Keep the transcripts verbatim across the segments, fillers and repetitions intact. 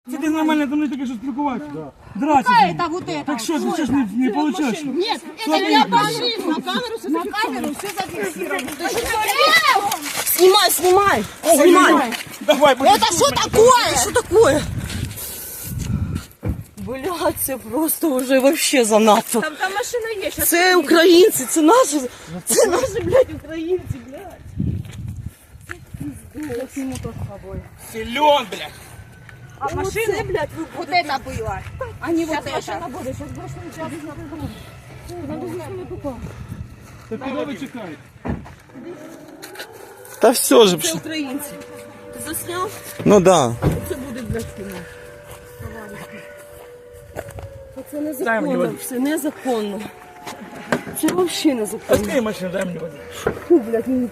Це ти нормально там не таке, що спілкуватися. Драться. Это вот это. Так що, ти зараз не, не получаєш? Нет, это я машину. На камеру все На камеру все зафиксировано. Снимай, снимай, снимай. Давай, будь Это что такое? Что такое? Блядь, це просто уже вообще занадто. Там, там машина есть. Сейчас Це українці, це наші, це наші, блядь, українці, блядь. Силен, блядь. А машина, блядь, вот это было. А не вот это. Машина будет. Сейчас больше ничего без надо. Надо с нами попасть. Так куди ви чекаєте? Та все ж. Це українці. Ти засняв? Ну да. Це буде, блядь, кіно. Це незаконно, все незаконно. Це взагалі незаконно. Открий машину, дай мені води. Фу, блядь, мені.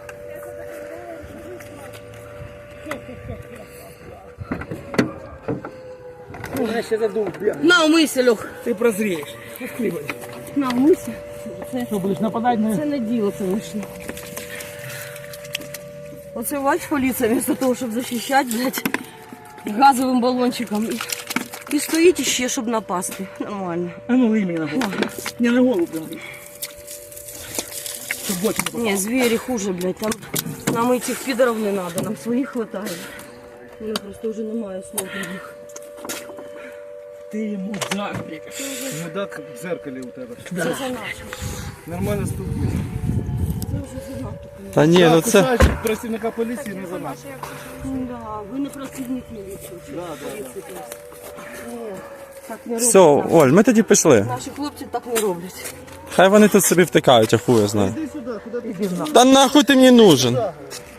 Я ще задув, блядь. На, умийся, Льох. Ти прозрієш. Открий води. На, умийся. Що, будеш нападати на... Це не діло, конечно. Оце бач, поліція, вместо того, щоб захищати, блядь, газовим балончиком. І, і стоїть іще, щоб напасти. Нормально. А ну, лий мені на голову. Не на голову прям. Щоб в очі не попало. Не, звери хуже, блядь. Там нам этих пидоров не надо, нам своих хватает. У меня просто уже немає слов для них. Ти мудак, блядь. Мудак в зеркалі у тебе. Це занадто. Нормально спілкуйся. Це вже занадто. Та ні, ну це. Кусаєш працівника поліції не за нас. Да, ви не працівник міліції. Да, да, да. Ні, так не роблять. Все, Оль, ми тоді пішли. Наші хлопці так не роблять. Хай вони тут собі втикають, а хуй я знаю. Іди сюди, куди ти? Та нахуй ти мені нужен?